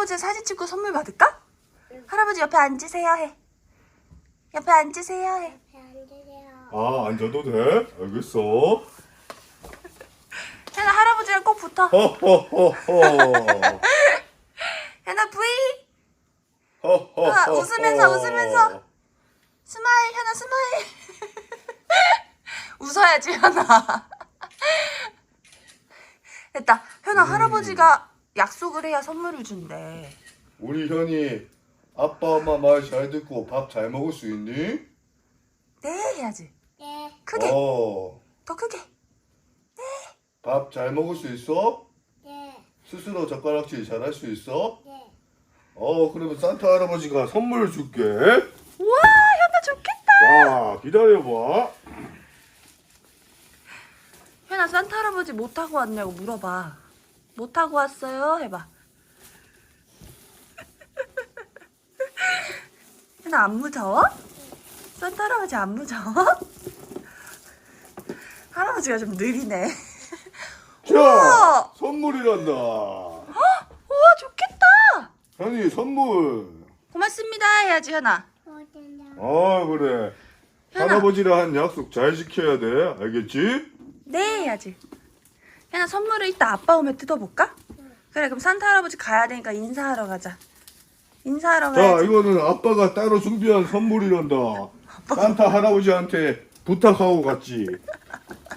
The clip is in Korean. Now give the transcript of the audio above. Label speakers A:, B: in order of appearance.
A: 할아버지가 사진 찍고 선물 받을까? 할아버지 옆에 앉으세요 해. 옆에 앉으세요 해.
B: 옆에 앉으세요.
C: 아, 앉아도 돼? 알겠어.
A: 현아 할아버지랑 꼭 붙어.
C: 허허허허.
A: 현아 V.
C: 허허허허.
A: 웃으면서. 스마일 현아 스마일. 웃어야지 현아. 됐다. 현아 할아버지가 약속을 해야 선물을 준대.
C: 우리 현이 아빠 엄마 말 잘 듣고 밥 잘 먹을 수 있니?
A: 네 해야지.
B: 네.
A: 크게.
C: 어.
A: 더 크게.
C: 밥 잘 먹을 수 있어?
B: 네.
C: 스스로 젓가락질 잘 할 수 있어?
B: 네.
C: 그러면 산타 할아버지가 선물을 줄게.
A: 우와 현아 좋겠다.
C: 자, 기다려봐.
A: 현아 산타 할아버지 뭐 타고 왔냐고 물어봐. 뭐 타고 왔어요? 해봐. 현아 안 무서워? 산타 할아버지 안 무서워? 할아버지가 좀 느리네.
C: 자,
A: 우와!
C: 선물이란다.
A: 우와 좋겠다.
C: 현이 선물.
A: 고맙습니다 해야지 현아.
B: 어딘가.
C: 그래.
A: 현아.
C: 할아버지랑 한 약속 잘 지켜야 돼. 알겠지?
A: 네 해야지. 현아 선물을 이따 아빠 오면 뜯어볼까? 그래 그럼 산타 할아버지 가야 되니까 인사하러 가자. 인사하러
C: 자,
A: 가야지.
C: 이거는 아빠가 따로 준비한 선물이란다. 산타 할아버지한테 부탁하고 갔지.